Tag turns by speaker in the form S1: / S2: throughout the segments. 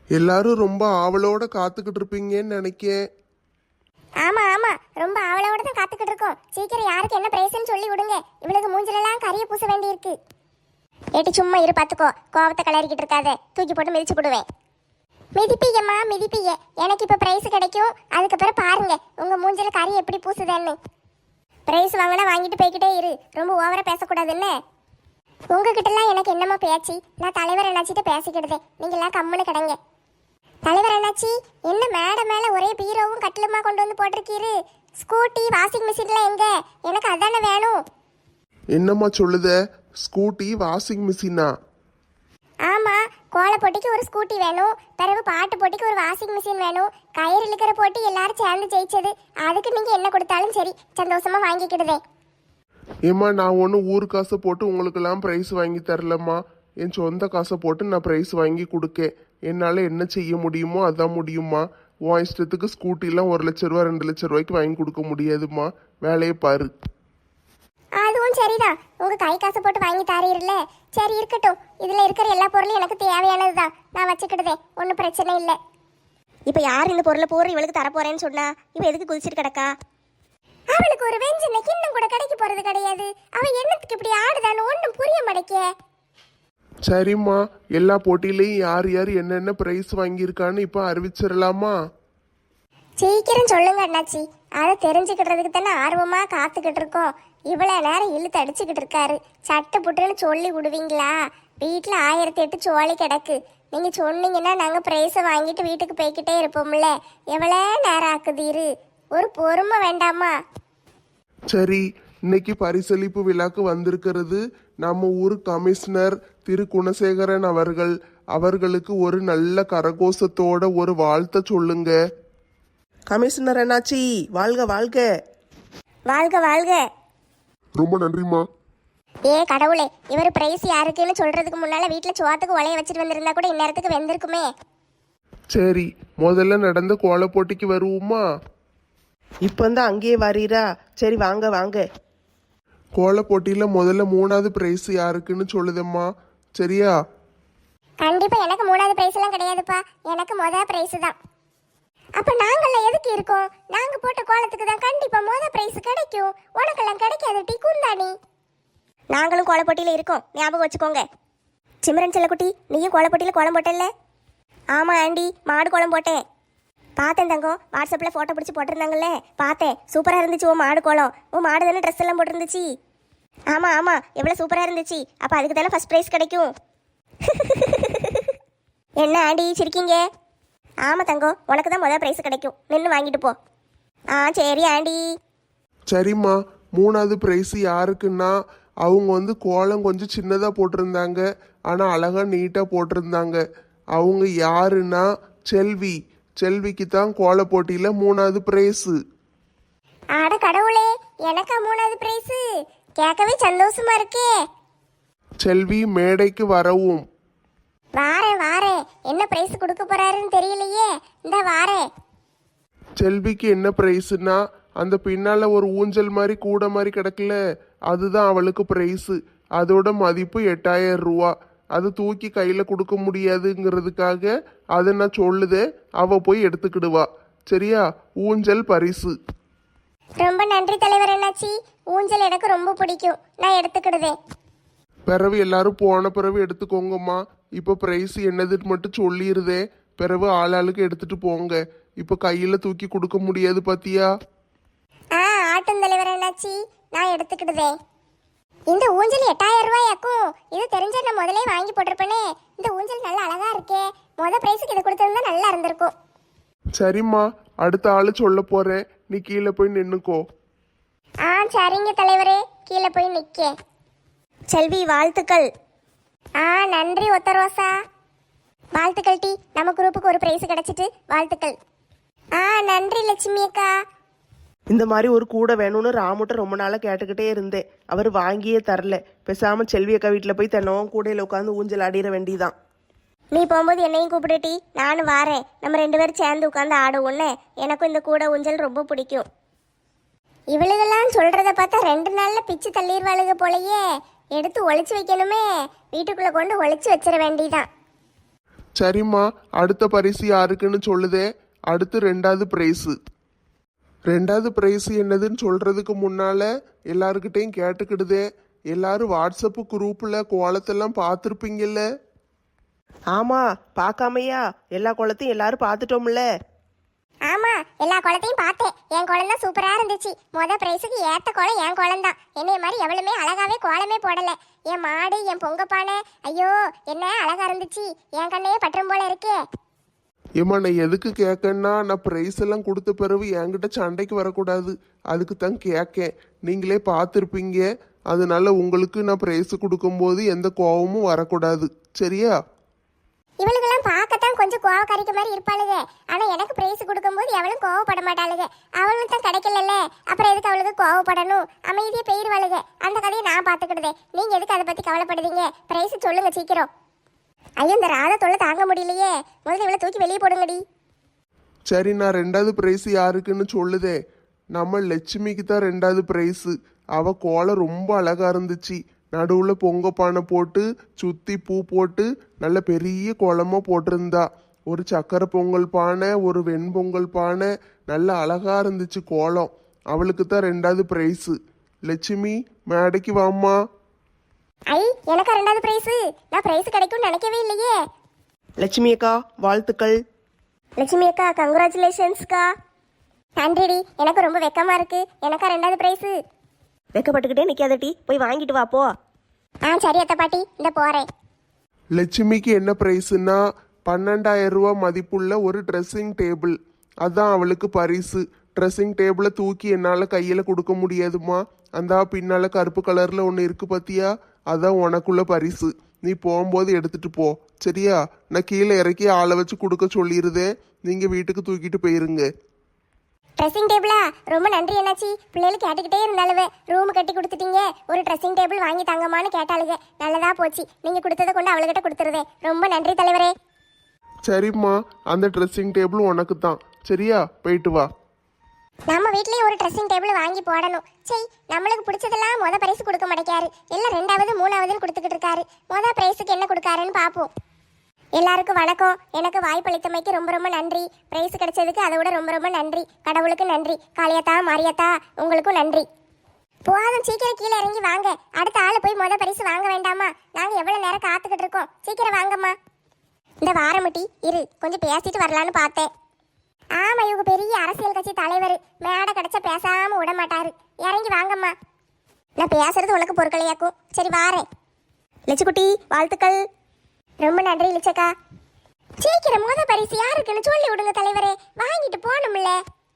S1: எல்லாரும் ரொம்ப ஆவலோட காத்துக்கிட்டு இருப்பீங்கன்னு நினைக்கேன்.
S2: ஆமா ஆமா, ரொம்ப ஆவலோட தான் காத்துக்கிட்டு இருக்கோம். சீக்கிரம் யாருக்கு என்ன பிரைஸ்ன்னு சொல்லி விடுங்க. இவளுக்கு மூஞ்சிலெல்லாம் கரிய பூச வேண்டி இருக்கு. ஏட்டி சும்மா இரு, பாத்துக்கோ. கோவத்தை கிளறிக்கிட்டு இருக்காத, தூக்கி போட்டு மிதிச்சு போடுவேன். மிதிப்பீங்கம்மா மிதிப்பீங்க. எனக்கு இப்ப பிரைஸ் கிடைக்கும், அதுக்கப்புறம் பாருங்க உங்க மூஞ்சில கறி எப்படி பூசுதேன்னு. பிரைஸ் வாங்கினா வாங்கிட்டு போய்கிட்டே இரு, ரொம்ப ஓவரா பேசக்கூடாதுன்னு. உங்ககிட்டலாம் எனக்கு என்னமா பேச்சு? நான் தலைவர் என்னாச்சிட்ட பேசிக்கிடுதேன், நீங்க எல்லாம் கம்முன்னு கிடங்க. தலைவர் என்னாச்சி, என்ன மேடை மேல ஒரே பீரோவும் கட்டிலுமா கொண்டு வந்து போட்டிருக்கீரு? ஸ்கூட்டி வாஷிங் மிஷின்ல எங்க? எனக்கு அதானே வேணும்.
S1: என்னம்மா சொல்லுத? ஸ்கூட்டி வாஷிங் மிஷினா?
S2: ஆமா, கோல போட்டிக்கு ஒரு ஸ்கூட்டி வேணும், பிறகு பாட்டு போட்டிக்கு ஒரு வாஷிங் மிஷின் வேணும். கயிறு இழுக்கிற போட்டி எல்லாரும் சேர்ந்து ஜெயிச்சது, அதுக்கு நீங்க என்ன கொடுத்தாலும் சரி, சந்தோஷமா வாங்கிக்கிடுதே.
S1: ஏம்மா, நான் ஒன்றும் ஊர் காசை போட்டு உங்களுக்கெல்லாம் ப்ரைஸ் வாங்கி தரலம்மா. என் சொந்த காசை போட்டு நான் ப்ரைஸ் வாங்கி கொடுக்கேன். என்னால் என்ன செய்ய முடியுமோ அதான் முடியுமா. உன் இஷ்டத்துக்கு ஸ்கூட்டிலாம் 1,00,000 ரூபா 2,00,000 ரூபாய்க்கு வாங்கி கொடுக்க முடியாதுமா. வேலையை பாரு.
S2: அதுவும் சரிதான், உங்க கை காசு போட்டு வாங்கி தாரீர்ல. சரி இருக்கட்டும், இதுல இருக்கிற எல்லா பொருளும் எனக்கு தேவையானதுதான், நான் வச்சுக்கிடுதேன், ஒன்றும் பிரச்சனை இல்லை.
S3: இப்போ யார் இந்த பொருளை பூரா இவளுக்கு தரப்போறேன்னு சொன்னா இவ எதுக்கு குதிச்சிட்டு கிடக்கா?
S2: அவளுக்கு ஒரு வெஞ்சனை கிண்ணம் கூட கிடைக்க போறது கிடையாது. அவ என்னத்துக்கு இப்படி ஆடுதான்னு ஒன்றும் புரிய மாட்டேக்கே.
S1: சரிம்மா, எல்லா போட்டியிலையும் யார் யார் என்னென்ன ப்ரைஸ் வாங்கியிருக்கான்னு இப்போ அறிவிச்சிடலாமா?
S2: சீக்கிரம் சொல்லுங்க அண்ணாச்சி, அதை தெரிஞ்சுக்கிட்டதுக்கு தானே ஆர்வமா காத்துக்கிட்டு இருக்கோம். இவ்வளவு நேரம் இழுத்து அடிச்சுக்கிட்டு இருக்காரு. சட்டு புட்டுன்னு சொல்லி விடுவீங்களா? வீட்டில் 1008 சோழி கிடக்கு. நீங்க சொன்னீங்கன்னா நாங்க பிரைஸை வாங்கிட்டு வீட்டுக்கு போய்கிட்டே இருப்போம்ல. எவ்வளோ நேரம் ஆக்குதீரு, ஒரு பொறுமை வேண்டாமா?
S1: சரி, இன்னைக்கு பரிசளிப்பு விழாக்கு வந்திருக்கிறது நம்ம ஊர் கமிஷனர் திரு குணசேகரன் அவர்கள். அவர்களுக்கு ஒரு நல்ல கரகோஷத்தோட ஒரு வாழ்த்த சொல்லுங்க.
S4: கமிஷனர் என்னாச்சி, வாழ்க வாழ்க.
S3: வாழ்க வாழ்க.
S1: ரொம்ப நன்றிம்மா.
S2: ஏ கடவுளே, இவர் பிரைஸ் யாருக்குன்னு சொல்றதுக்கு முன்னால வீட்டில் சோத்துக்கு உலைய வச்சுட்டு வந்திருந்தா கூட இந்நேரத்துக்கு வெந்திருக்குமே.
S1: சரி, முதல்ல நடந்த கோல போட்டிக்கு வருவோமா?
S4: இப்போ தான் அங்கேயே வரீரா? சரி வாங்க வாங்க.
S1: கோல போட்டியில முதல்ல 3வது பிரைஸ் யாருக்குன்னு சொல்லுதம்மா, சரியா?
S2: கண்டிப்பா எனக்கு 3வது பிரைஸ் எல்லாம் கிடையாதுப்பா, எனக்கு முதல் பிரைஸ் தான். அப்ப நாங்கெல்லாம் எதுக்கு இருக்கோம்? நாங்க போட்ட கோலத்துக்கு தான் கண்டிப்பா முதல் பிரைஸ் கிடைக்கும். உனக்கெல்லாம் கிடைக்காது டி குந்தாணி.
S3: நாங்களும் கோலப்போட்டியில் இருக்கோம், ஞாபகம் வச்சுக்கோங்க. சிம்ரன் செல்லக்குட்டி, நீயும் கோலப்போட்டியில் கோலம் போட்டல? ஆமாம் ஆண்டி, மாடு கோலம் போட்டேன். பார்த்தேன் தங்கம், வாட்ஸ்அப்பில் ஃபோட்டோ பிடிச்சி போட்டிருந்தாங்கல்ல, பார்த்தேன். சூப்பராக இருந்துச்சு உன் மாடு கோலம். உன் மாடு தானே ட்ரெஸ் எல்லாம் போட்டிருந்துச்சு? ஆமாம் ஆமாம், எவ்வளோ சூப்பராக இருந்துச்சு. அப்போ அதுக்கு தானே ஃபஸ்ட் ப்ரைஸ் கிடைக்கும். என்ன ஆண்டி சிரிக்கீங்க? ஆமாம் தங்கம், உனக்கு தான் முதல் ப்ரைஸ் கிடைக்கும், நின்று வாங்கிட்டு போ. ஆ சரி ஆண்டி.
S1: சரிம்மா, 3வது பிரைஸ் யாருக்குன்னா, அவங்க கோலம் கொஞ்சம் சின்னதாக போட்டிருந்தாங்க, ஆனால் அழகாக நீட்டாக போட்டிருந்தாங்க. அவங்க யாருன்னா செல்வி. செல்விக்கு தான் கோல போட்டியில் 3வது பிரைஸு.
S2: ஆட கடவுளே, எனக்கா 3வது பிரைஸ்? கேட்கவே சந்தோஷமா இருக்கே.
S1: செல்வி மேடைக்கு வரவும்.
S2: வாரேன் வாரேன், என்ன பிரைஸ் கொடுக்க போறாருன்னு தெரியலையே. இந்த வாரேன்.
S1: செல்விக்கு என்ன பிரைஸுன்னா, அந்த பின்னால் ஒரு ஊஞ்சல் மாதிரி கூட மாதிரி கிடக்கல, அதுதான் அவளுக்கு பிரைஸு. அதோட மதிப்பு 8000 ரூபா. அது தூக்கி கையில் கொடுக்க முடியாதுங்கிறதுக்காக அதை நான் சொல்லுதே, அவ போய் எடுத்துக்கிடுவா. சரியா? ஊஞ்சல் பரிசு.
S2: ரொம்ப நன்றி தலைவர் என்னாச்சி, ஊஞ்சல் எனக்கு ரொம்ப பிடிக்கும், நான் எடுத்துக்கிடுதேன்.
S1: பிறவு எல்லாரும் போன பிறகு எடுத்துக்கோங்கம்மா. இப்போ பிரைஸ் என்னதுன்னு மட்டும் சொல்லிடுதே, பிறகு ஆளாளுக்கு எடுத்துட்டு போங்க. இப்போ கையில் தூக்கி கொடுக்க முடியாது பாத்தியா?
S2: ஆட்டும் தலைவர் என்னாச்சி, நான் எடுத்துக்கிடுதேன். இந்த ஊஞ்சல் 8000 ரூபாயாக்கும். இது தெரிஞ்ச நான் முதலே வாங்கி போட்டிருப்பேனே. இந்த ஊஞ்சல் நல்லா அழகா இருக்கே, முத பிரைஸுக்கு இது கொடுத்திருந்தா நல்லா இருந்திருக்கும்.
S1: சரிம்மா, அடுத்த ஆளு சொல்ல போறேன், நீ கீழே போய் நின்னுக்கோ.
S2: சரிங்க தலைவரே, கீழே போய் நிக்க.
S3: செல்வி வாழ்த்துக்கள்.
S2: நன்றி ஒத்த ரோசா. வாழ்த்துக்கள் டி, நம்ம குரூப்புக்கு ஒரு பிரைஸ் கிடைச்சிட்டு வாழ்த்துக்கள். நன்றி லட்சுமி அக்கா.
S4: இந்த மாதிரி ஒரு கூடை வேணும்னு ராமுட்ட ரொம்ப நாளாக கேட்டுக்கிட்டே இருந்தேன். அவர் வாங்கியே தரல. பேசாமல் செல்வி அக்கா வீட்டில் போய் தினமும் கூடையில் உட்காந்து ஊஞ்சல் ஆடிட வேண்டியதான்.
S3: நீ போகும்போது என்னையும் கூப்பிடுட்டி, நானும் வாரேன். நம்ம 2 பேரும் சேர்ந்து உட்காந்து ஆடுவோன்னு. எனக்கும் இந்த கூடை ஊஞ்சல் ரொம்ப பிடிக்கும்.
S2: இவளுகெல்லாம் சொல்றத பார்த்தா 2 நாள்ல பிச்சு தள்ளிடுவாளுக போலயே. எடுத்து ஒளிச்சு வைக்கணுமே, வீட்டுக்குள்ள கொண்டு ஒளிச்சு வச்சிட வேண்டியதான்.
S1: சரிம்மா, அடுத்த பரிசு யாருக்குன்னு சொல்லுதே. அடுத்து ரெண்டாவது பிரைஸு. ரெண்டாவது பிரைஸ் என்னதுன்னு சொல்றதுக்கு முன்னால எல்லாருக்கிட்டையும் கேட்டுக்கிடுதே. எல்லாரும் வாட்ஸ்அப் குரூப்ல கோலத்தெல்லாம் பார்த்துருப்பீங்கல்ல.
S4: ஆமா, பார்க்காமையா? எல்லா குளத்தையும் எல்லாரும் பார்த்துட்டோம்ல.
S2: ஆமா, எல்லா குளத்தையும் பார்த்தேன். என் குளம் தான் சூப்பரா இருந்துச்சு. பிரைஸுக்கு ஏத்த குளம் என் குளம் தான். என்னைய மாதிரி எவ்வளவுமே அழகாவே கோலமே போடல. என் மாடு, என் பொங்கப்பானை, ஐயோ என்ன அழகா இருந்துச்சு. என் கண்ணையே பற்றும் போல இருக்கே.
S1: ஏம்மா, நான் எதுக்கு கேட்கன்னா, நான் ப்ரைஸ் எல்லாம் கொடுத்த பிறகு என்கிட்ட சண்டைக்கு வரக்கூடாது. அதுக்கு தான் கேட்கேன். நீங்களே பார்த்துருப்பீங்க. அதனால உங்களுக்கு நான் ப்ரைஸ் கொடுக்கும்போது எந்த கோபமும் வரக்கூடாது. சரியா?
S2: இவளுக்கெல்லாம் பார்க்கத்தான் கொஞ்சம் கோவக்காரிக்க மாதிரி இருப்பாளுங்க. ஆனா எனக்கு பிரைஸ் கொடுக்கும்போது எவளும் கோவப்பட மாட்டாளுங்க. அவளும் தான் கிடைக்கலல்ல, அப்புறம் எதுக்கு அவளுக்கு கோவப்படணும்? அமைதியா போயிருவாளுங்க. அந்த கதையை நான் பார்த்துக்கிடுதேன். நீங்க எதுக்கு அதை பத்தி கவலைப்படுதீங்க? பிரைஸ் சொல்லுங்க சீக்கிரம். ஐயோ, இந்த ராதா தொல்லை தாங்க முடியலையே. முதல்ல இவளை தூக்கி வெளியே போடுங்கடி.
S1: சரி, நான் ரெண்டாவது ப்ரைஸ் யாருக்குன்னு சொல்லுதே. நம்ம லட்சுமிக்கு தான் ரெண்டாவது ப்ரைஸு. அவ கோலம் ரொம்ப அழகா இருந்துச்சு. நடுவில் பொங்க பானை போட்டு சுற்றி பூ போட்டு நல்ல பெரிய கோலமாக போட்டிருந்தா. ஒரு சக்கரை பொங்கல் பானை, ஒரு வெண்பொங்கல் பானை, நல்ல அழகா இருந்துச்சு கோலம். அவளுக்கு தான் ரெண்டாவது ப்ரைஸு. லட்சுமி, மேடைக்கு வாம்மா.
S2: ஐ, எனக்கு ரெண்டாவது பிரைஸ். நான் பிரைஸ் கிடைக்கும்னு நினைக்கவே இல்லையே.
S4: லட்சுமி அக்கா, வாழ்த்துக்கள்.
S3: லட்சுமி அக்கா, கங்க்ராச்சுலேஷன்ஸ்க்கா.
S2: நன்றிடி, எனக்கு ரொம்ப வெக்கமா இருக்கு. எனக்கா ரெண்டாவது பிரைஸ்.
S3: வெக்கப்பட்டுக்கிட்டே நிற்காதட்டி, போய் வாங்கிட்டு வா போ.
S2: சரி அத்தை பாட்டி, இந்த போறேன்.
S1: லட்சுமிக்கு என்ன ப்ரைஸுன்னா 12,000 ரூபா மதிப்புள்ள ஒரு ட்ரெஸ்ஸிங் டேபிள். அதான் அவளுக்கு பரிசு. ட்ரெஸ்ஸிங் டேபிளை தூக்கி என்னால் கையில் கொடுக்க முடியாதுமா. அந்த பின்னால் கருப்பு கலரில் ஒன்று இருக்கு பார்த்தியா? அதான் உனக்குள்ள பரிசு. நீ போகும்போது எடுத்துட்டு போ. சரியா? நான் கீழே இறக்கி ஆளை வச்சு கொடுக்க சொல்லிடுதேன். நீங்கள் வீட்டுக்கு தூக்கிட்டு போயிருங்க.
S2: ட்ரெஸ்ஸிங் டேபிளா? ரொம்ப நன்றி என்னாச்சி. பிள்ளைகள் கேட்டுக்கிட்டே இருந்தாலுவே ரூம் கட்டி கொடுத்துட்டீங்க, ஒரு ட்ரெஸ்ஸிங் டேபிள் வாங்கி தாங்கம்மான்னு கேட்டாளுங்க. நல்லதா போச்சு. நீங்க கொடுத்ததை கொண்டு அவளுக்கிட்ட கொடுத்துருவேன். ரொம்ப நன்றி தலைவரே.
S1: சரிம்மா, அந்த ட்ரெஸ்ஸிங் டேபிள் உனக்கு தான். சரியா? போயிட்டு வா.
S2: நம்ம வீட்லயும் ஒரு ட்ரெஸ்ஸிங் டேபிள் வாங்கி போடணும். சரி, நம்மளுக்கு பிடிச்சதெல்லாம் முத பிரைஸ் கொடுக்க மாட்டேக்காரு. எல்லாம் ரெண்டாவது மூணாவதுன்னு கொடுத்துக்கிட்டு இருக்காரு. முத பிரைஸுக்கு என்ன கொடுக்காருன்னு பார்ப்போம். எல்லாருக்கும் வணக்கம். எனக்கு வாய்ப்பளித்தமைக்கு ரொம்ப ரொம்ப நன்றி. பிரைஸ் கிடைச்சதுக்கு அதை விட ரொம்ப ரொம்ப நன்றி. கடவுளுக்கு நன்றி. காளியாத்தா, மாரியாத்தா, உங்களுக்கும் நன்றி. போதும், சீக்கிரம் கீழே இறங்கி வாங்க. அடுத்த ஆள் போய் முத பரிசு வாங்க வேண்டாமா? நாங்க எவ்வளவு நேரம் காத்துக்கிட்டு இருக்கோம். சீக்கிரம் வாங்கம்மா. இந்த வாரமட்டி இரு, கொஞ்சம் பேசிட்டு வரலான்னு பார்த்தேன். ஆமா, இவங்க பெரிய அரசியல் கட்சி தலைவர். மேடை கிடைச்சா பேசாம விட மாட்டாரு. இறங்கி வாங்கம்மா. நான் பேசுறது உனக்கு பொருட்களையாக்கும். சரி, வாரேன்.
S3: லட்சுக்குட்டி, வாழ்த்துக்கள்.
S2: ரொம்ப நன்றி லிச்சக்கா. சீக்கிரம் முத பரிசு யாருக்குன்னு சொல்லி விடுங்க தலைவரே. வாங்கிட்டு போகணும்ல.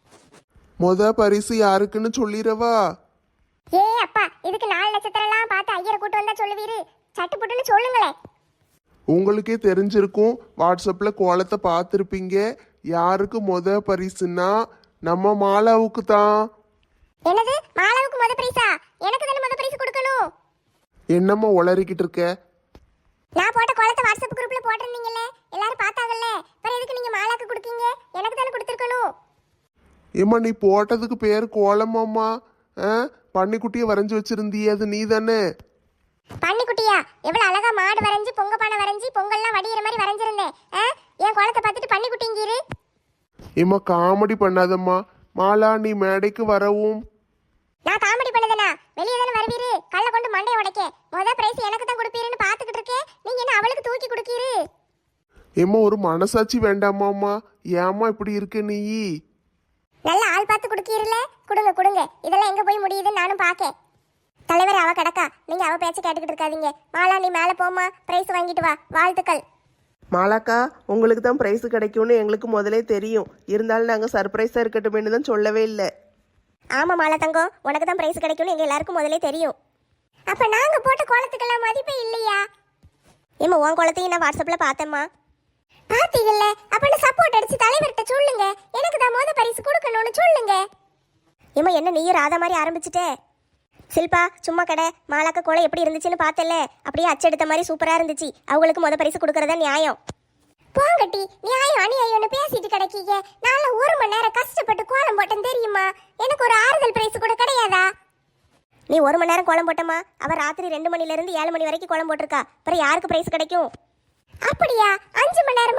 S1: பரிசு யாருக்குன்னு சொல்லிடவா?
S2: ஏ அப்பா, இதுக்கு 4 நட்சத்திரம்லாம் பார்த்து ஐயரை கூட்டு வந்தா சொல்லுவீரு. சட்டு புட்டுன்னு சொல்லுங்களேன்.
S1: உங்களுக்கே தெரிஞ்சிருக்கும். வாட்ஸ்அப்பில் கோலத்தை பார்த்துருப்பீங்க. யாருக்கு பரிசுன்னா நம்ம மாலாவுக்கு தான்.
S2: என்னது? மாலாவுக்கு முத பரிசா? எனக்கு தானே முத பரிசு கொடுக்கணும்.
S1: என்னம்மா உளறிக்கிட்டு இருக்க?
S2: நான் போட்ட கோலத்தை வாட்ஸ்அப் குரூப்ல போட்டிருந்தீங்கல்ல, எல்லாரும் பார்த்தாங்கல்ல. அப்புறம் எதுக்கு நீங்க மாலாக்கு கொடுக்கீங்க? எனக்கு தானே கொடுத்துருக்கணும்.
S1: ஏம்மா, நீ போட்டதுக்கு பேர் கோலமாம்மா. பன்னிக்குட்டியை வரைஞ்சி வச்சிருந்தியே, அது நீ தானே?
S2: பன்னிக்குட்டியா? எவ்வளவு அழகா மாடு வரைஞ்சி பொங்க பானை வரைஞ்சி பொங்கல்லாம் வடிகிற மாதிரி வரைஞ்சிருந்தேன். என் கோலத்தை பார்த்துட்டு பன்னிக்குட்டிங்கீரு.
S1: ஏம்மா, காமெடி பண்ணாதம்மா. மாலா, நீ மேடைக்கு வரவும்.
S2: நான் காமெடி பண்ணதனா? வெளியே தானே வருவீரு. கல்ல கொண்டு மண்டையை உடைக்க. முத பிரைஸ் எனக்கு தான் கொடுப்பீருன்னு பார்த்துக்கிட்டு இருக்கேன். நீங்க என்ன அவளுக்கு தூக்கி கொடுக்கீரு?
S1: ஏம்மா, ஒரு மனசாட்சி வேண்டாமாம்மா? ஏம்மா இப்படி இருக்க நீ?
S2: நல்ல ஆள் பார்த்து கொடுக்கீருல. கொடுங்க கொடுங்க. இதெல்லாம் எங்க போய் முடியுதுன்னு நானும் பார்க்க. தலைவர், அவ கிடக்கா. நீங்க அவ பேச்சு கேட்டுக்கிட்டு இருக்காதீங்க. மாலா, நீ மேலே போமா, பிரைஸ் வாங்கிட்டு வா. வாழ்த்துக்கள்.
S4: மாலாக்கா, உங்களுக்கு தான் ப்ரைஸ் கிடைக்கும்னு எங்களுக்கு முதலே தெரியும். இருந்தாலும் நாங்கள் சர்ப்ரைஸாக இருக்கட்டும்னு தான் சொல்லவே இல்லை.
S3: ஆமா மாலா தங்கம், உனக்கு தான் பிரைஸ் கிடைக்கும்னு எங்க எல்லாருக்கும் முதலே தெரியும்.
S2: அப்ப நாங்க போட்ட கோலத்துக்கெல்லாம் மதிப்பே இல்லையா?
S3: ஏமா, உன் கோலத்தையும் நான் வாட்ஸ்அப்ல பார்த்தேம்மா.
S2: பாத்தீங்கல்ல? அப்ப சப்போர்ட் அடிச்சு தலைவர்கிட்ட சொல்லுங்க. எனக்கு தான் முத பரிசு கொடுக்கணும்னு சொல்லுங்க.
S3: ஏமா, என்ன நீயும் ராதா மாதிரி ஆரம்பிச்சுட்டே? சில்பா, சும்மா கடை. மாலாக்க கோலம் எப்படி இருந்துச்சுன்னு பார்த்தல, அப்படியே அச்செடுத்த மாதிரி சூப்பரா இருந்துச்சு. அவங்களுக்கு முத பரிசு கொடுக்கறதா நியாயம்.
S2: போங்கட்டி, நியாயம் அநியாயம்னு பேசிட்டு கிடைக்கீங்க. நான் 1 மணி நேரம் கஷ்டப்பட்டு கோலம் போட்டேன் தெரியுமா? எனக்கு ஒரு ஆறுதல் பிரைஸ் கூட கிடையாதா?
S3: நீ 1 மணி நேரம் கோலம் போட்டமா? அவ ராத்திரி 2 மணில இருந்து 7 மணி வரைக்கும் கோலம் போட்டிருக்கா. அப்புறம் யாருக்கு பிரைஸ் கிடைக்கும்?
S2: அப்படியா? 5 மணி நேரம்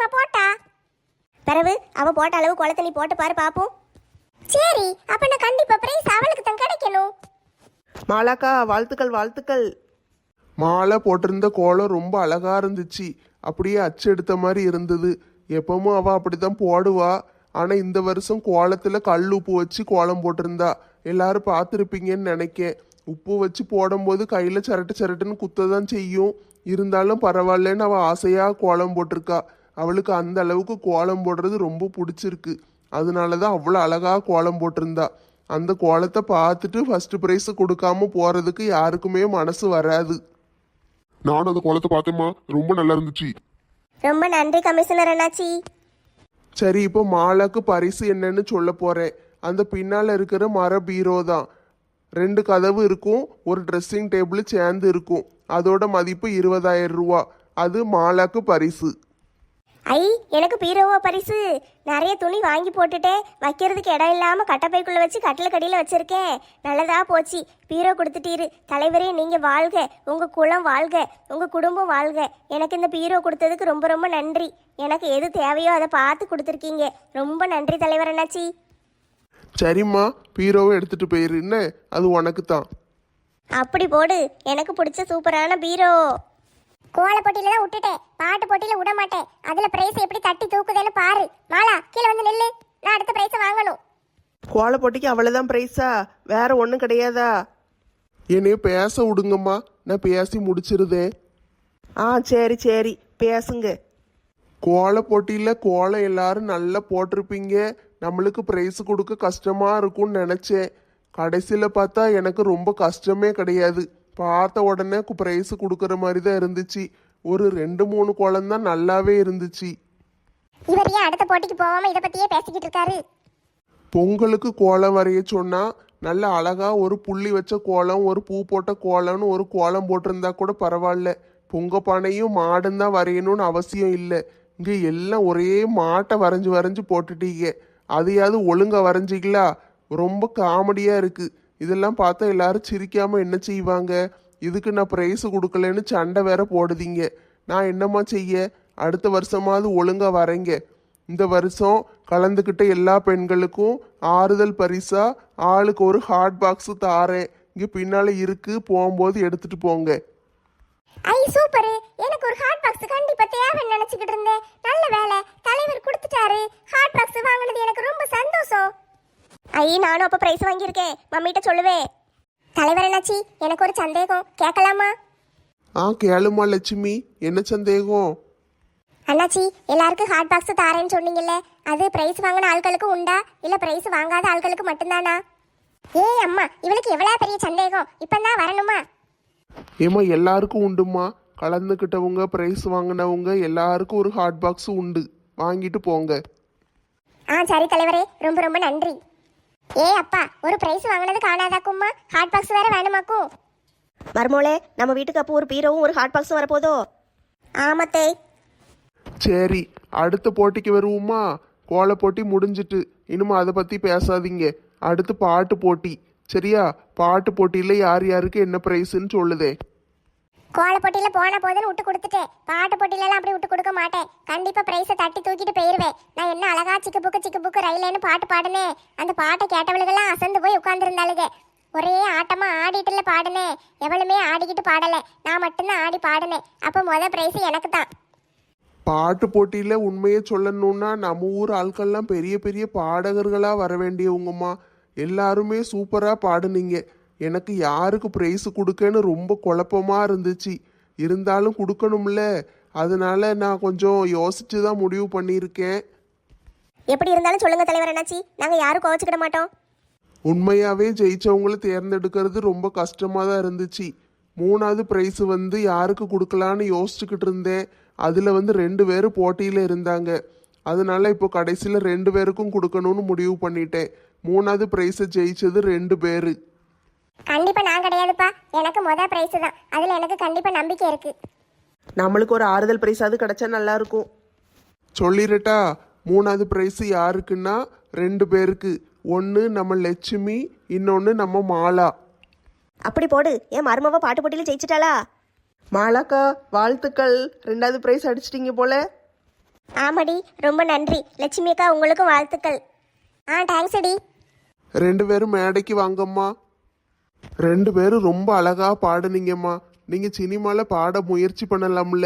S3: பிறகு அவ போட்ட அளவு குளத்தை நீ போட்டு பாரு பாப்போம்.
S2: சரி, அப்ப நான் கண்டிப்பா பிரைஸ் அவளுக்கு தான் கிடைக்கணும்.
S4: மாலாக்கா வாழ்த்துக்கள் வாழ்த்துக்கள்.
S1: மாலை போட்டிருந்த கோலம் ரொம்ப அழகா இருந்துச்சு. அப்படியே அச்சு எடுத்த மாதிரி இருந்தது. எப்பவும் அவ அப்படிதான் போடுவா. ஆனா இந்த வருஷம் கோலத்துல கல் உப்பு வச்சு கோலம் போட்டிருந்தா. எல்லாரும் பார்த்துருப்பீங்கன்னு நினைக்கேன். உப்பு வச்சு போடும்போது கையில சரட்டு சரட்டுன்னு குத்ததான் செய்யும். இருந்தாலும் பரவாயில்லன்னு அவ ஆசையா கோலம் போட்டிருக்கா. அவளுக்கு அந்த அளவுக்கு கோலம் போடுறது ரொம்ப பிடிச்சிருக்கு. அதனாலதான் அவ்வளோ அழகா கோலம் போட்டிருந்தா. அந்த கோலத்தை பார்த்துட்டு ஃபர்ஸ்ட் ப்ரைஸ் கொடுக்காம போறதுக்கு யாருக்குமே மனசு வராது.
S5: நானும் அந்த கோலத்தை பார்த்தேம்மா, ரொம்ப நல்லா இருந்துச்சு.
S3: ரொம்ப நன்றி கமிஷனர் அண்ணாச்சி.
S1: சரி, இப்போ மாலாக்கு பரிசு என்னன்னு சொல்ல போறேன். அந்த பின்னால இருக்கிற மர பீரோ தான். 2 கதவு இருக்கும், ஒரு ட்ரெஸ்ஸிங் டேபிள் சேர்ந்து இருக்கும். அதோட மதிப்பு 20,000 ரூபா. அது மாலாக்கு பரிசு.
S3: ஐ, எனக்கு பீரோவா பரிசு? நிறைய துணி வாங்கி போட்டுட்டேன், வைக்கிறதுக்கு இடம் இல்லாமல் கட்டப்பைக்குள்ளே வச்சு கட்டில் கடியில் வச்சுருக்கேன். நல்லதா போச்சு, பீரோ கொடுத்துட்டீரு. தலைவரே நீங்கள் வாழ்க, உங்கள் குலம் வாழ்க, உங்கள் குடும்பம் வாழ்க. எனக்கு இந்த பீரோ கொடுத்ததுக்கு ரொம்ப ரொம்ப நன்றி. எனக்கு எது தேவையோ அதை பார்த்து கொடுத்துருக்கீங்க. ரொம்ப நன்றி தலைவர் அண்ணாச்சி.
S1: சரிம்மா, பீரோவை எடுத்துட்டு போயிரு. என்ன, அது உனக்கு தான்.
S3: அப்படி போடு, எனக்கு பிடிச்ச சூப்பரான பீரோ.
S2: கோல போட்டியில தான் விட்டுட்டேன், பாட்டு போட்டியில விட மாட்டேன். அதுல பிரைஸ் எப்படி தட்டி தூக்குதேன்னு பாரு. மாலா, கீழே வந்து நில்லு, நான் அடுத்த பிரைஸை வாங்கணும்.
S4: கோல போட்டிக்கு அவ்வளோதான் ப்ரைஸா? வேற ஒன்றும் கிடையாதா?
S1: என்னைய பேச விடுங்கம்மா, நான் பேசி முடிச்சிருதேன்.
S4: ஆ சரி சரி, பேசுங்க.
S1: கோல போட்டியில கோலம் எல்லாரும் நல்லா போட்டிருப்பீங்க. நம்மளுக்கு ப்ரைஸ் கொடுக்க கஷ்டமா இருக்கும்னு நினைச்சேன். கடைசியில பார்த்தா எனக்கு ரொம்ப கஷ்டமே கிடையாது. பார்த்த உடனே ப்ரைஸ் கொடுக்குற மாதிரி தான் இருந்துச்சு. ஒரு 2-3 கோலம் தான் நல்லாவே இருந்துச்சு.
S2: இவர் ஏன் அடுத்த போட்டிக்கு போகாம இதை பத்தியே பேசிக்கிட்டு இருக்காரு?
S1: பொங்கலுக்கு கோலம் வரைய சொன்னா நல்ல அழகா ஒரு புள்ளி வச்ச கோலம், ஒரு பூ போட்ட கோலம்னு ஒரு கோலம் போட்டிருந்தா கூட பரவாயில்ல. பொங்க பானையும் மாடும் தான் வரையணும்னு அவசியம் இல்லை. இங்க எல்லாம் ஒரே மாட்டை வரைஞ்சு வரைஞ்சு போட்டுட்டீங்க. அதையாவது ஒழுங்கா வரைஞ்சிங்களா? ரொம்ப காமெடியா இருக்கு. இதெல்லாம் பார்த்தா எல்லாரும் சிரிக்காம என்ன செய்வாங்க? இதுக்கு நான் ப்ரைஸ் கொடுக்கலன்னு சண்டை வேற போடுதீங்க. நான் என்னம்மா செய்ய? அடுத்த வருஷமாவது ஒழுங்கா வரைங்க. இந்த வருஷம் கலந்துக்கிட்ட எல்லா பெண்களுக்கும் ஆறுதல் பரிசா ஆளுக்கு ஒரு ஹாட் பாக்ஸ் தாரேன். இங்க பின்னால இருக்கு, போகும்போது எடுத்துட்டு போங்க.
S2: ஐ சூப்பர், எனக்கு ஒரு ஹாட் பாக்ஸ் கண்டிப்பா தேவைன்னு நினைச்சுக்கிட்டு இருந்தேன். நல்ல வேலை, தலைவர் கொடுத்துட்டாரு. ஹாட் பாக்ஸ் வாங்கினது எனக்கு ரொம்ப சந்தோஷம்.
S3: ஐ, நானும் அப்போ ப்ரைஸ் வாங்கியிருக்கேன், மம்மிகிட்ட சொல்லுவேன்.
S2: தலைவர் என்னாச்சி, எனக்கு ஒரு சந்தேகம், கேட்கலாமா?
S1: கேளுமா லட்சுமி, என்ன சந்தேகம்?
S2: அண்ணாச்சி, எல்லாருக்கும் ஹாட் பாக்ஸ் தாரேன்னு சொன்னீங்கல்ல, அது பிரைஸ் வாங்கின ஆட்களுக்கு உண்டா இல்ல பிரைஸ் வாங்காத ஆட்களுக்கு மட்டும்தானா? ஏய் அம்மா, இவளுக்கு எவ்வளவு பெரிய சந்தேகம், இப்பதான் வரணுமா?
S1: ஏமா, எல்லாருக்கும் உண்டுமா. கலந்துக்கிட்டவங்க, ப்ரைஸ் வாங்கினவங்க எல்லாருக்கும் ஒரு ஹாட் பாக்ஸ் உண்டு. வாங்கிட்டு போங்க.
S2: சரி தலைவரே, ரொம்ப ரொம்ப நன்றி. ஏ அப்பா, ஒரு பிரைஸ் வாங்கினது காணாதாக்கும்மா, ஹாட் பாக்ஸ் வேற வேணுமாக்கும்.
S3: மருமோளே, நம்ம வீட்டுக்கு அப்போ ஒரு பீரோவும் ஒரு ஹாட் பாக்ஸும் வரப்போதோ? ஆமத்தே.
S1: சரி, அடுத்த போட்டிக்கு வருவோமா? கோல போட்டி முடிஞ்சிட்டு இனிமே அதை பத்தி பேசாதீங்க. அடுத்து பாட்டு போட்டி. சரியா? பாட்டு போட்டியில யார் யாருக்கு என்ன பிரைஸ்ன்னு சொல்லுதே.
S2: கோல போட்டியில போன போதுன்னு விட்டு கொடுத்துட்டேன். பாட்டு போட்டியில எல்லாம் அப்படி விட்டு கொடுக்க மாட்டேன். கண்டிப்பா பிரைஸை தட்டி தூக்கிட்டு போயிருவேன். நான் என்ன அழகா சிக்கு புக்கு ரயிலேன்னு பாட்டு பாடுனேன். அந்த பாட்டை கேட்டவளுக்கெல்லாம் அசந்து போய் உட்கார்ந்துருந்தாளுங்க. ஒரே ஆட்டமா ஆடிட்டுல பாடுனேன். எவளுமே ஆடிக்கிட்டு பாடல, நான் மட்டும்தான் ஆடி பாடுனேன். அப்ப பிரைஸ் எனக்கு தான்.
S1: பாட்டு போட்டியில உண்மையை சொல்லணும்னா நம்ம ஊர் ஆட்கள்லாம் பெரிய பெரிய பாடகர்களா வர வேண்டியவங்கம்மா. எல்லாருமே சூப்பரா பாடுனீங்க. எனக்கு யாருக்கு பிரைஸ் கொடுக்கன்னு ரொம்ப குழப்பமா இருந்துச்சு. இருந்தாலும் கொடுக்கணும்ல, அதனால நான் கொஞ்சம் யோசிச்சு தான் முடிவு பண்ணியிருக்கேன்.
S3: எப்படி இருந்தாலும் சொல்லுங்க தலைவர் என்னாச்சி, நாங்க யாரும் கோவச்சுக்கிட மாட்டோம்.
S1: உண்மையாவே ஜெயிச்சவங்களை தேர்ந்தெடுக்கிறது ரொம்ப கஷ்டமா தான் இருந்துச்சு. 3வது பிரைஸ் யாருக்கு கொடுக்கலான்னு யோசிச்சுக்கிட்டு இருந்தேன். அதுல 2 பேர் போட்டியில இருந்தாங்க. அதனால இப்போ கடைசியில 2 பேருக்கும் கொடுக்கணும்னு முடிவு பண்ணிட்டேன். 3வது பிரைஸை ஜெயிச்சது 2 பேரு.
S2: கண்டிப்பா நான் கிடையாதுப்பா, எனக்கு பிரைஸ் தான். அதுல எனக்கு கண்டிப்பா நம்பிக்கை இருக்கு.
S4: நம்மளுக்கு ஒரு ஆறுதல் ப்ரைஸாவது கிடைச்சா நல்லா இருக்கும்.
S1: சொல்லிடட்டா? 3வது பிரைஸ் யாருக்குன்னா 2 பேருக்கு. ஒன்று நம்ம லட்சுமி, இன்னொன்று நம்ம மாலா.
S3: அப்படி போடு, என் மருமவ பாட்டு போட்டியில ஜெயிச்சிட்டாளா?
S4: மாலாக்கா வாழ்த்துக்கள், 2வது ப்ரைஸ் அடிச்சிட்டிங்க போல.
S3: ஆமாடி, ரொம்ப நன்றி லட்சுமி அக்கா, உங்களுக்கும் வாழ்த்துக்கள்.
S2: தேங்க்ஸ் அடி.
S1: ரெண்டு பேரும் மேடைக்கு வாங்கம்மா. ரெண்டு பேரும் ரொம்ப அழகா பாடுனீங்கம்மா. நீங்க சினிமால பாட முயற்சி பண்ணலாம்ல.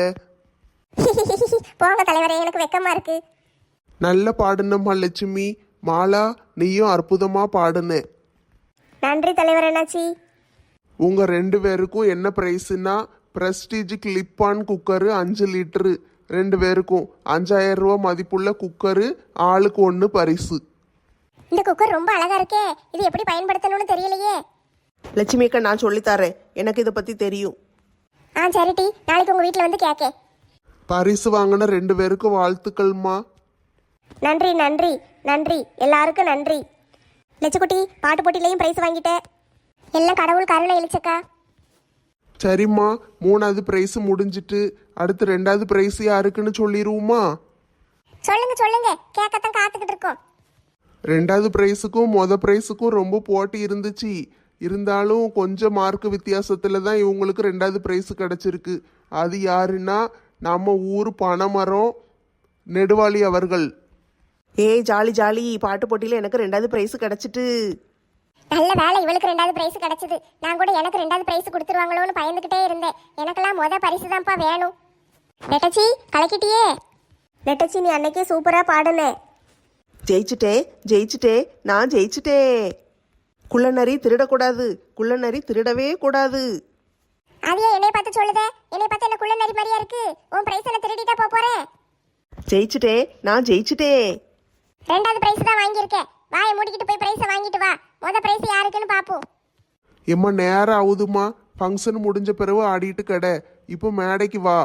S2: போங்க தலைவரே, எனக்கு வெக்கமா இருக்கு.
S1: நல்ல பாடுனம்மா லட்சுமி. மாலா, நீயும் அற்புதமா பாடுன.
S3: நன்றி தலைவர் அண்ணாச்சி.
S1: உங்க ரெண்டு பேருக்கும் என்ன பிரைஸ்னா Prestige clip on cooker 5 litre. ரெண்டு பேருக்கும் 5000 ரூபா மதிப்புள்ள குக்கரு, ஆளுக்கு 1 பரிசு.
S2: இந்த குக்கர் ரொம்ப அழகா இருக்கே, இது எப்படி பயன்படுத்தணும்னு தெரியலையே.
S4: லட்சுமி அக்கா, நான் சொல்லித்தரேன், எனக்கு இதை பற்றி தெரியும்.
S2: சரிட்டி, நாளைக்கு உங்க வீட்டில் வந்து கேட்க.
S1: பரிசு வாங்கின ரெண்டு பேருக்கும் வாழ்த்துக்கள்மா.
S3: நன்றி நன்றி நன்றி, எல்லாருக்கும் நன்றி. லட்சுக்குட்டி, பாட்டு போட்டியிலையும் பிரைஸ் வாங்கிட்டேன்.
S2: எல்லாம் கடவுள் கருணை இழிச்சக்கா.
S1: சரிம்மா, 3வது பிரைஸ் முடிஞ்சிட்டு அடுத்து 2வது பிரைஸ் யாருக்குன்னு சொல்லிடுவோமா?
S2: சொல்லுங்க சொல்லுங்க, கேட்கத்தான் காத்துக்கிட்டு இருக்கோம்.
S1: 2வது பிரைஸுக்கும் பிரைஸுக்கும் ரொம்ப போட்டி இருந்துச்சு. இருந்தாலும் கொஞ்சம் மார்க் வித்தியாசத்துல தான் இவங்களுக்கு 2வது பிரைஸ் கிடைச்சிருக்கு. அது யாருன்னா நம்ம ஊர் பனைமரம் நெடுவாளி அவர்கள்.
S4: ஏய் ஜாலி ஜாலி, பாட்டு போட்டியில் எனக்கு 2வது ப்ரைஸ் கிடச்சிட்டு.
S2: நல்ல வேலை, இவளுக்கு 2வது பிரைஸ் கிடைச்சது. நான் கூட எனக்கு 2வது பிரைஸ் கொடுத்துருவாங்களோன்னு பயந்துகிட்டே இருந்தேன். எனக்கெல்லாம் பரிசு தான்ப்பா வேணும். நெட்டச்சி, கலக்கிட்டியே.
S3: நெட்டச்சி, நீ அன்னைக்கே சூப்பராக பாடுனே.
S4: ஜெயிச்சிட்டே, நான் ஜெயிச்சிட்டேன். குள்ளநரி திருடக்கூடாது, குள்ளநரி திருடவே கூடாது.
S2: அதையே என்னை பார்த்து சொல்லுதே, என்னை பார்த்து என்ன குள்ள நரி மாதிரியா இருக்கு. உன் பிரைஸ் என்ன திருடிட்டா போறேன்.
S4: ஜெயிச்சிட்டே, நான் ஜெயிச்சிட்டேன்.
S2: 2வது பிரைஸ் தான் வாங்கியிருக்கேன். வாயை மூடிக்கிட்டு போய் பிரைஸை வாங்கிட்டு வா. பிரைஸ் யாருக்குன்னு பாப்போம்.
S1: எம்மா நேரம் ஆகுதுமா, ஃபங்க்ஷன் முடிஞ்ச பிறகு ஆடிட்டு கடை. இப்போ மேடைக்கு வா.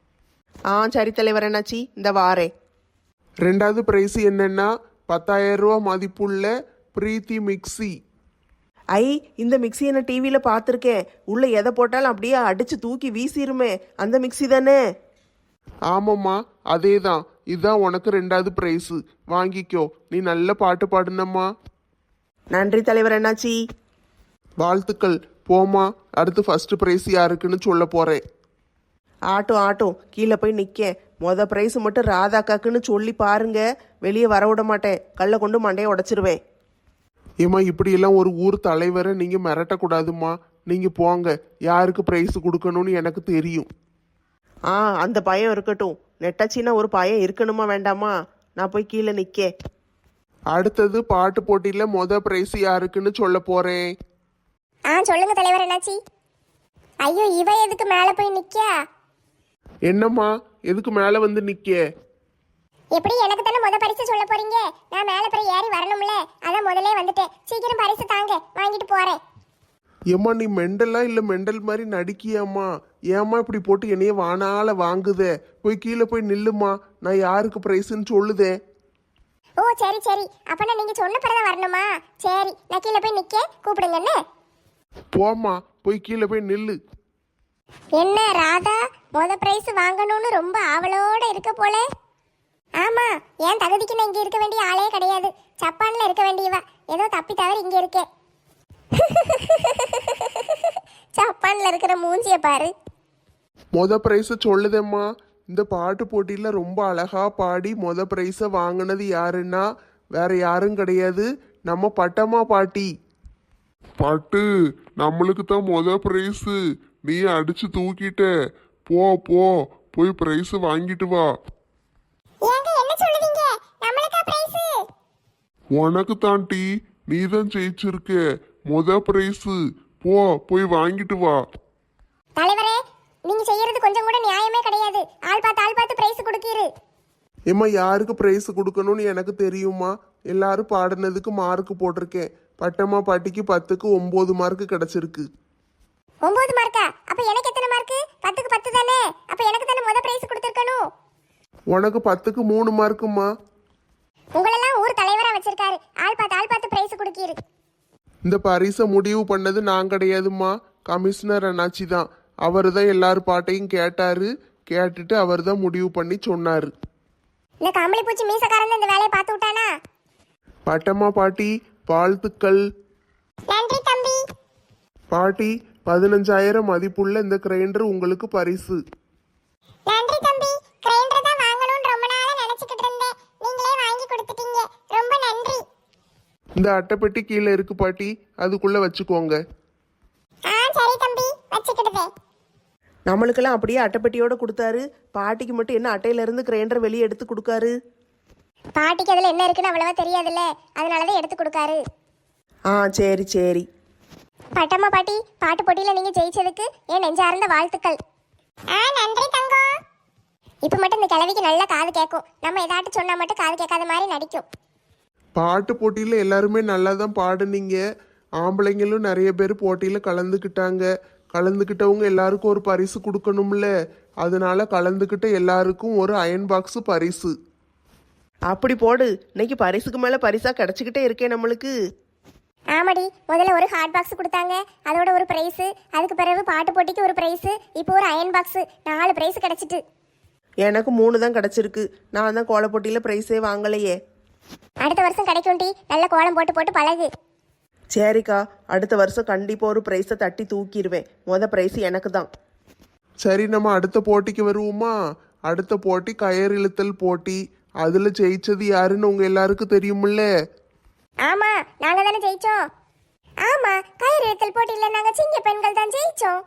S4: சரி தலைவர் அண்ணாச்சி, இந்த வாரேன்.
S1: 2வது பிரைஸ் என்னன்னா 10,000 ரூபா மதிப்புள்ள பிரீத்தி மிக்ஸி.
S4: இந்த மிக்ஸி என்ன டிவியில் பார்த்துருக்கேன். உள்ள எதை போட்டாலும் அப்படியே அடிச்சு தூக்கி வீசிருமே, அந்த மிக்ஸி தானே?
S1: ஆமாம்மா, அதே தான். இதுதான் உனக்கு 2வது பிரைஸ். வாங்கிக்கோ. நீ நல்ல பாட்டு பாடுனம்மா.
S4: நன்றி தலைவர் அண்ணாச்சி.
S1: வாழ்த்துக்கள். போமா, அடுத்து ஃபர்ஸ்ட் பிரைஸ் யாருக்குன்னு சொல்ல போறேன்.
S4: ஆட்டும் கீழே போய் நிற்க. ப்ரைஸ் மட்டும் ராதாக்காக்குன்னு சொல்லி பாருங்க, வெளியே வர விட மாட்டேன். கல்லை கொண்டு மண்டையை உடைச்சிருவேன்.
S1: ஏம்மா, இப்படியெல்லாம் ஒரு ஊர் தலைவரை நீங்க மிரட்டக்கூடாதும்மா. நீங்க போங்க, யாருக்கு பிரைஸ் கொடுக்கணும்னு எனக்கு தெரியும்.
S4: அந்த பயம் இருக்கட்டும். நெட்டச்சின்னா ஒரு பயம் இருக்கணுமா வேண்டாமா? நான் போய் கீழே நிற்க.
S1: அடுத்தது பாட்டு போட்டியில பிரைஸ் யாருக்குன்னு சொல்ல போறேன்.
S2: சொல்லுங்க தலைவர் என்னாச்சி. ஐயோ, இவ எதுக்கு மேல போய் நிக்கா?
S1: என்னம்மா, எதுக்கு மேல வந்து நிக்க?
S2: எப்படி எனக்கு தானே பரிசு சொல்ல போறீங்க. நான் மேல போய் ஏறி வரணும்ல, அதான் முதல்ல வந்துட்டேன். சீக்கிரம் பரிசு தாங்க, வாங்கிட்டு போறேன்.
S1: ஏம்மா, நீ மெண்டலா இல்ல மெண்டல் மாதிரி நடிக்கியாம்மா? ஏம்மா இப்படி போட்டு என்னைய வானால வாங்குதே? போய் கீழே போய் நில்லுமா, நான் யாருக்கு பிரைஸ்ன்னு சொல்லுதே.
S2: ஓ சரி சரி, அப்பனா நீங்க சொன்ன பிறகு வரணுமா? சரி, நான் கீழே போய் நிக்க, கூப்பிடுங்கன்னு.
S1: போம்மா, போய் கீழே போய் நில்லு.
S2: என்ன ராதா, பிரைஸ் வாங்கணும்னு ரொம்ப ஆவலோட இருக்க போல. ஆமா, என் தகுதிக்கு நான் இங்க இருக்க வேண்டிய ஆளே கிடையாது. ஜப்பான்ல இருக்க வேண்டியவா, ஏதோ தப்பி தவறு இங்க இருக்கேன். ஜப்பான்ல இருக்கிற மூஞ்சிய பாரு.
S1: பிரைஸ சொல்லுதேம்மா. இந்த பாட்டு போட்டியில ரொம்ப அழகா பாடி பிரைஸ வாங்கினது யாருன்னா வேற யாரும் கிடையாது, நம்ம பட்டம்மா பாட்டி.
S5: பாட்டு நம்மளுக்கு தான் பிரைஸ். நீ அடிச்சு தூக்கிட்ட. போ போ, போய் பிரைஸ் வாங்கிட்டு வா.
S2: ஏங்க என்ன சொல்லுவீங்க? நம்மளுக்கா பிரைஸ்?
S5: உனக்கு தான் டி, நீ தான் ஜெயிச்சிருக்க. பிரைஸ் போ, போய் வாங்கிட்டு வா.
S2: தலைவரே, நீங்க செய்யறது கொஞ்சம் கூட நியாயமே கிடையாது. ஆள் பார்த்து பிரைஸ் கொடுக்கீரு.
S1: ஏம்மா, யாருக்கு பிரைஸ் கொடுக்கணும்னு எனக்கு தெரியுமா? எல்லாரும் பாடினதுக்கு மார்க் போட்டிருக்கேன். பட்டம்மா பாட்டிக்கு 10க்கு 9 மார்க் கிடைச்சிருக்கு.
S2: 9 மார்க்கா? அப்ப எனக்கு எத்தனை மார்க்? 10க்கு 10 தானே? அப்ப எனக்கு தானே பிரைஸ் கொடுத்திருக்கணும்.
S1: உனக்கு 10க்கு 3 மார்க்குமா?
S2: உங்களெல்லாம் ஊர் தலைவரா வச்சிருக்காரு. ஆள் பார்த்து பிரைஸ் கொடுக்கீரு.
S1: இந்த பரிசை முடிவு பண்ணது நான் கிடையாதுமா, கமிஷனர் அண்ணாச்சி தான். அவர் தான் எல்லாரும் பாட்டையும் கேட்டாரு. கேட்டுட்டு அவர் தான் முடிவு பண்ணி சொன்னாரு.
S2: இந்த கம்பளி பூச்சி மீசக்காரன் இந்த வேலையை பார்த்து விட்டானா?
S1: பட்டம்மா பாட்டி, வாழ்த்துக்கள்.
S2: நன்றி தம்பி.
S1: பாட்டி, 15,000 மதிப்புள்ள இந்த கிரைண்டர் உங்களுக்கு பரிசு.
S2: நன்றி தம்பி. கிரைண்டர் தான் வாங்கணும்னு ரொம்ப நாளா நினைச்சிட்டு
S1: இந்த அட்டைப்பெட்டி கீழே இருக்கு பாட்டி, அதுக்குள்ள வச்சுக்கோங்க.
S2: ஆ சரி தம்பி, வச்சுக்கிடுதே.
S4: நம்மளுக்கெல்லாம் அப்படியே அட்டைப்பெட்டியோட கொடுத்தாரு. பாட்டிக்கு மட்டும் என்ன அட்டையில இருந்து கிரைண்டர் வெளியே எடுத்து கொடுக்காரு?
S2: பாட்டிக்கு அதுல என்ன இருக்குன்னு அவ்வளவா தெரியாதுல்ல, அதனாலதான் எடுத்து கொடுக்காரு.
S4: ஆ சரி சரி.
S2: பட்டம்மா பாட்டி, பாட்டு போட்டியில நீங்க ஜெயிச்சதுக்கு என் நெஞ்சார்ந்த வாழ்த்துக்கள். நன்றி தங்கம். இப்ப மட்டும் இந்த கிழவிக்கு நல்ல காது கேட்கும். நம்ம ஏதாட்டு சொன்னா மட்டும் காது கேட்காத மாதிரி நடிக்கும்.
S1: பாட்டு போட்டியில் எல்லாருமே நல்லா தான் பாடுனீங்க. ஆம்பளைங்களும் நிறைய பேர் போட்டியில் கலந்துக்கிட்டாங்க. கலந்துக்கிட்டவங்க எல்லாருக்கும் ஒரு பரிசு கொடுக்கணும்ல, அதனால கலந்துக்கிட்ட எல்லாருக்கும் ஒரு அயன் பாக்ஸ் பரிசு.
S4: அப்படி போடு, இன்னைக்கு பரிசுக்கு மேல பரிசா கிடைச்சிக்கிட்டே இருக்கே நம்மளுக்கு.
S2: ஆமாடி, முதல்ல ஒரு ஹாட் பாக்ஸ் கொடுத்தாங்க, அதோட ஒரு பிரைஸ். அதுக்கு பிறகு பாட்டு போட்டிக்கு ஒரு பிரைஸ், இப்போ ஒரு அயன் பாக்ஸ். 4 பிரைஸ் கிடைச்சிட்டு.
S4: எனக்கு 3 தான் கிடைச்சிருக்கு. நான் தான் கோல போட்டியில பிரைஸே வாங்கலையே.
S2: அடுத்த வருஷம் கிடைக்கும்டி, நல்ல கோலம் போட்டு போட்டு பழகு.
S4: சரிக்கா, அடுத்த வருஷம் கண்டிப்பா ஒரு பிரைஸை தட்டி தூக்கிடுவேன். பிரைஸ் எனக்கு தான்.
S1: சரி, நம்ம அடுத்த போட்டிக்கு வருவோமா? அடுத்த போட்டி கயிறு இழுத்தல் போட்டி. அதில் ஜெயிச்சது யாருன்னு உங்கள் எல்லாருக்கும் தெரியுமில்ல?
S2: ஆமா, நாங்க தானே ஜெயிச்சோம். ஆமா, கயிறு இழுத்தல் போட்டியில நாங்க சிங்க பெண்கள் தான் ஜெயிச்சோம்.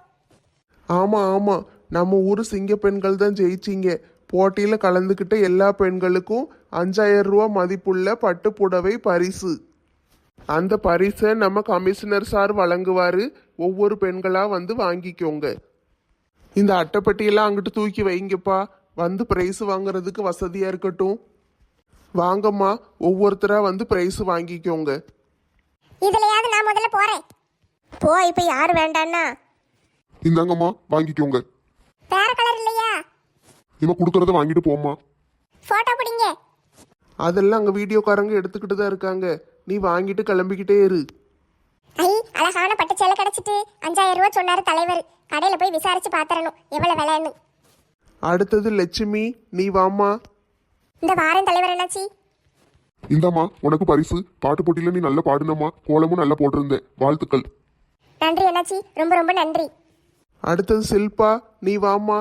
S1: ஆமாம் ஆமாம், நம்ம ஊர் சிங்க பெண்கள் தான் ஜெயிச்சிங்க. போட்டியில் கலந்துக்கிட்ட எல்லா பெண்களுக்கும் 5000 ரூபா மதிப்புள்ள பட்டு புடவை பரிசு. அந்த பரிசை நம்ம கமிஷனர் சார் வழங்குவார். ஒவ்வொரு பெண்களாக வந்து வாங்கிக்கோங்க. இந்த அட்டைப்பட்டியெல்லாம் அங்கிட்டு தூக்கி வைங்கப்பா, வந்து ப்ரைஸ் வாங்குறதுக்கு வசதியாக இருக்கட்டும். வாங்கம்மா, ஒவ்வொருத்தராக வந்து ப்ரைஸ் வாங்கிக்கோங்க.
S2: இதுலயாவது நான் முதல்ல போறேன்.
S3: போ, இப்போ யார் வேண்டான்னா?
S5: இந்தாங்கம்மா வாங்கிக்கோங்க.
S2: வேற கலர் இல்லையா?
S5: இவன் கொடுக்கறத வாங்கிட்டு போம்மா.
S2: போட்டோ பிடிங்க.
S1: அதெல்லாம் அங்கே வீடியோக்காரங்க எடுத்துக்கிட்டு தான் இருக்காங்க. நீ வாங்கிட்டு கிளம்பிக்கிட்டே இரு.
S2: ஐ, அழகான பட்டு சேலை கிடைச்சிட்டு. 5000 ரூபா சொன்னாரு தலைவர். கடையில போய் விசாரிச்சு பாத்தரணும் எவ்வளவு விலைன்னு.
S1: அடுத்தது லட்சுமி, நீ வாம்மா.
S2: இந்த வாரம் தலைவர் என்னாச்சு?
S5: இந்தாம்மா உனக்கு பரிசு. பாட்டு போட்டியில நீ நல்லா பாடுனம்மா, கோலமும் நல்லா போட்டிருந்தேன். வாழ்த்துக்கள்.
S2: நன்றி என்னாச்சி, ரொம்ப ரொம்ப நன்றி.
S1: அடுத்தது சில்பா, நீ வாம்மா.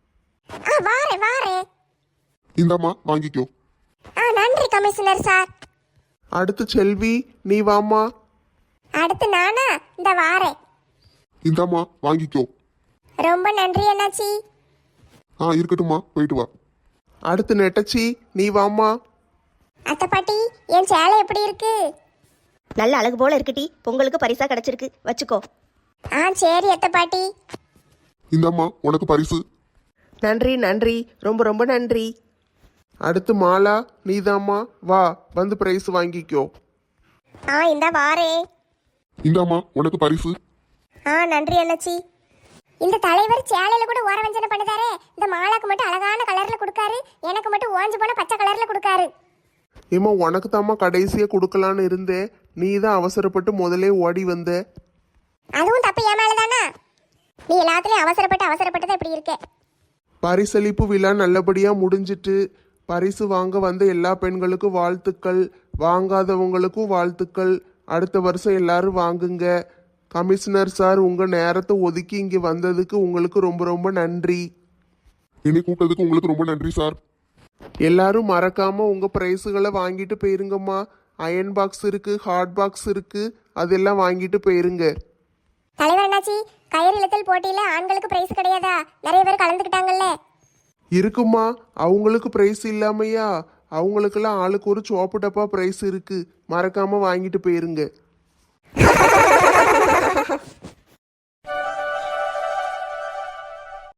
S2: வாரேன் வாரேன்.
S5: இந்தாம்மா வாங்கிக்கோ.
S2: நன்றி கமிஷனர் சார்.
S1: அடுத்து செல்வி, நீ வாம்மா.
S2: அடுத்து நானா? இந்த வாரேன்.
S5: இந்தாம்மா வாங்கிக்கோ.
S2: ரொம்ப நன்றி என்னாச்சி.
S5: இருக்கட்டும்மா, போயிட்டு வா.
S1: அடுத்து நெட்டச்சி, நீ வாம்மா.
S2: அத்தை பாட்டி, என் சேலை எப்படி இருக்கு?
S3: நல்ல அழகு போல இருக்குடி. பொங்கலுக்கு பரிசா கிடைச்சிருக்கு, வச்சுக்கோ.
S2: சரி அத்தை பாட்டி.
S5: இந்தாம்மா உனக்கு பரிசு.
S4: நன்றி நன்றி, ரொம்ப ரொம்ப நன்றி.
S1: அடுத்து மாலா, நீதாம்மா. வா, வந்து பிரைஸ் வாங்கிக்கோ.
S3: இந்த வாரே.
S5: இந்தாம்மா உனக்கு பரிசு.
S3: நன்றி அண்ணாச்சி.
S2: இந்த தலைவர் சேலையில கூட ஓரவஞ்சனை பண்ணுதாரே. இந்த மாலாக்கு மட்டும் அழகான கலர்ல கொடுக்காரு, எனக்கு மட்டும் ஓஞ்சு போன பச்சை கலர்ல கொடுக்காரு.
S1: ஏமா, உனக்கு தாம்மா கடைசியாக கொடுக்கலான்னு இருந்தேன். நீ தான் அவசரப்பட்டு முதலே ஓடி வந்த.
S2: அதுவும் தப்பு என் மேலதானா? நீ எல்லாத்துலயும் அவசரப்பட்டு தான் இப்படி இருக்க.
S1: பரிசளிப்பு விழா நல்லபடியாக முடிஞ்சிட்டு பரிசு வாங்க வந்த எல்லா பெண்களுக்கும் வாழ்த்துக்கள், வாங்காதவங்களுக்கும் வாழ்த்துக்கள். அடுத்த வருஷம் எல்லாரும் வாங்குங்க. கமிஷனர் சார் உங்கள் நேரத்தை ஒதுக்கி இங்கே வந்ததுக்கு உங்களுக்கு ரொம்ப ரொம்ப நன்றி.
S5: என்னை கூப்பிட்டதுக்கு உங்களுக்கு ரொம்ப நன்றி சார்.
S1: எல்லாரும் மறக்காம உங்க பிரைஸுகளை வாங்கிட்டு போயிருங்கம்மா. அயன் பாக்ஸ் இருக்கு, ஹாட் பாக்ஸ் இருக்கு, அதெல்லாம் வாங்கிட்டு போயிருங்க.
S2: தலைவர் என்னாச்சி, கயிறு இழுத்தல் போட்டியில ஆண்களுக்கு பிரைஸ் கிடையாதா? நிறைய பேர் கலந்துக்கிட்டாங்கல்ல.
S1: இருக்குமா, அவங்களுக்கு பிரைஸ் இல்லாமையா? அவங்களுக்கெல்லாம் ஆளுக்கு ஒரு சோப்பு டப்பா பிரைஸ் இருக்கு, மறக்காம வாங்கிட்டு போயிருங்க.